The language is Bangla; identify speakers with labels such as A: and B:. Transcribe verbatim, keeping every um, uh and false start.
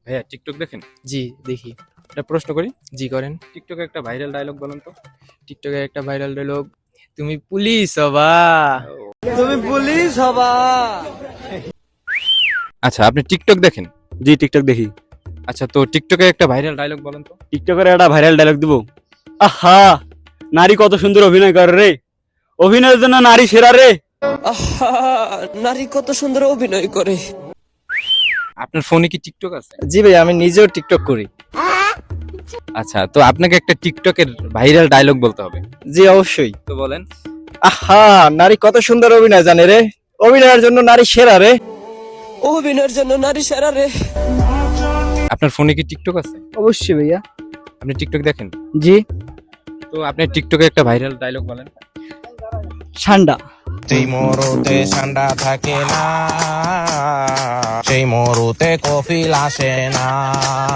A: ভাইয়া টিকটক দেখেন?
B: জি দেখি।
A: একটা প্রশ্ন করি,
B: জি করেন।
A: টিকটকে একটা ভাইরাল ডায়লগ বলেন তো।
B: টিকটকের একটা ভাইরাল ডায়লগ, তুমি পুলিশ হবা।
C: তুমি পুলিশ হবা।
A: আচ্ছা, আপনি টিকটক দেখেন?
D: জি টিকটক দেখি।
A: আচ্ছা, তো টিকটকে একটা ভাইরাল ডায়লগ বলেন তো।
D: টিকটকের একটা ভাইরাল ডায়লগ দিব, আহা নারী কত সুন্দর অভিনয় করে রে, অভিনয়ের জন্য নারী সেরা রে।
C: আহা, নারী কত সুন্দর অভিনয় করে।
A: আপনার ফোনে কি টিকটক আছে?
B: জি ভাই, আমি নিজেও টিকটক করি।
A: আচ্ছা, তো আপনাকে একটা টিকটকের ভাইরাল ডায়লগ বলতে হবে।
B: জি অবশ্যই।
A: তো বলেন।
B: আহা, নারী কত সুন্দর অভিনয় জানে রে, অভিনয়ের জন্য নারী সেরা রে।
C: অভিনয়ের জন্য নারী সেরা রে।
A: আপনার ফোনে কি টিকটক আছে?
B: অবশ্যই ভাইয়া।
A: আপনি টিকটক দেখেন?
B: জি।
A: তো আপনি টিকটকে একটা ভাইরাল ডায়লগ বলেন।
B: ঠান্ডা।
E: সেই মরুতে ঠান্ডা থাকে না, সেই মরুতে কফিল আসে না।